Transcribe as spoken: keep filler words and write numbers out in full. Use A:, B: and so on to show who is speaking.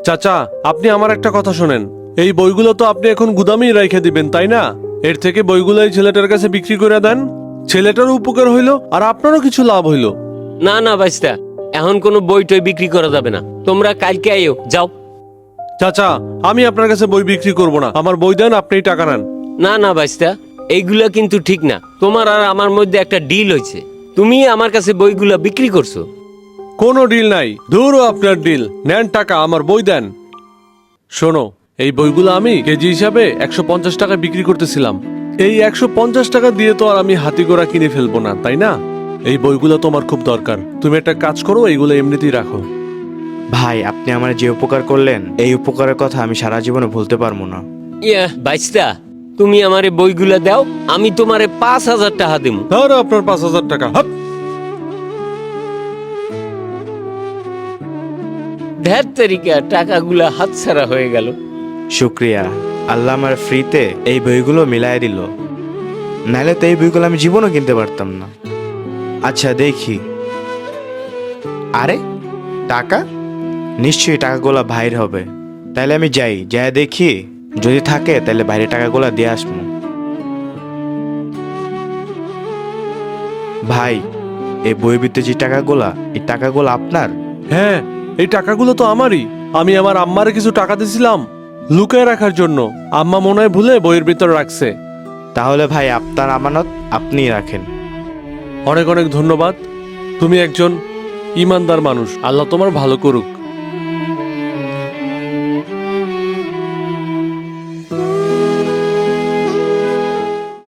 A: চাচা, আপনি আমার একটা কথা শোনেন। এই বইগুলো তো আপনি এখন গুদামেই রেখে দিবেন, তাই না? এর থেকে বইগুলো এই ছেলেটার কাছে বিক্রি করে দেন। ছেলেটারও উপকার হইলো আর আপনারও কিছু লাভ হইলো।
B: না না বাইস্তা, এখন কোনো বই টই বিক্রি করা যাবে না। তোমরা কালকে আইও, যাও।
A: চাচা, আমি আপনার কাছে বই বিক্রি করব না। আমার বই দেন, আপনিই টাকা নেন।
B: না না বাইস্তা, এইগুলা কিন্তু ঠিক না। তোমার আর আমার মধ্যে একটা ডিল হয়েছে, তুমি আমার কাছে বইগুলা বিক্রি করছো।
A: কোনো ডিল নাই, ধুরো আপনার ডিল। নেন টাকা, আমার বই দেন। শোনো, এই বইগুলো আমি কেজি হিসাবে একশো পঞ্চাশ টাকা বিক্রি করতেছিলাম। এই একশো পঞ্চাশ টাকা দিয়ে তো আর আমি হাতি ঘোড়া কিনে ফেলবো না, তাই না? এই বইগুলো তোমার খুব দরকার। তুমি একটা কাজ করো, এইগুলো এমনিতেই রাখো।
C: ভাই, আপনি আমার যে উপকার করলেন, এই উপকারের কথা আমি সারা জীবনে ভুলতে পারবো না।
B: ইয়া বাইস্তা, তুমি আমারে বইগুলা দাও, আমি তোমারে পাঁচ হাজার টাকা দেবো।
A: ধরো আপনার পাঁচ হাজার টাকা। হাপ।
B: ধ্যার তারিকা, টাকাগুলা হাতছাড়া হয়ে গেল।
C: শুক্রিয়া, আল্লাহ আমার ফ্রিতে এই বইগুলো মিলাই দিল, নাহলে তো এই বইগুলো আমি জীবনও কিনতে পারতাম না। আচ্ছা দেখি, আরে টাকা, নিশ্চয়ই টাকাগুলো ভাইয়ের হবে। তাইলে আমি যাই, যাই দেখি, যদি থাকে তাহলে বাইরে টাকাগুলো দিয়ে আসবো। ভাই, এই বইয়ের ভিতরে যে টাকাগুলা, এই টাকাগুলো আপনার?
A: হ্যাঁ, এই টাকাগুলো তো আমারই। আমি আমার আম্মারে কিছু টাকা দিয়েছিলাম লুকায় রাখার জন্য। আম্মা মনে হয় ভুলে বইয়ের ভিতর রাখছে।
C: তাহলে ভাই, আপনার আমানত আপনিই রাখেন।
A: অনেক অনেক ধন্যবাদ। তুমি একজন ইমানদার মানুষ। আল্লাহ তোমার ভালো করুক।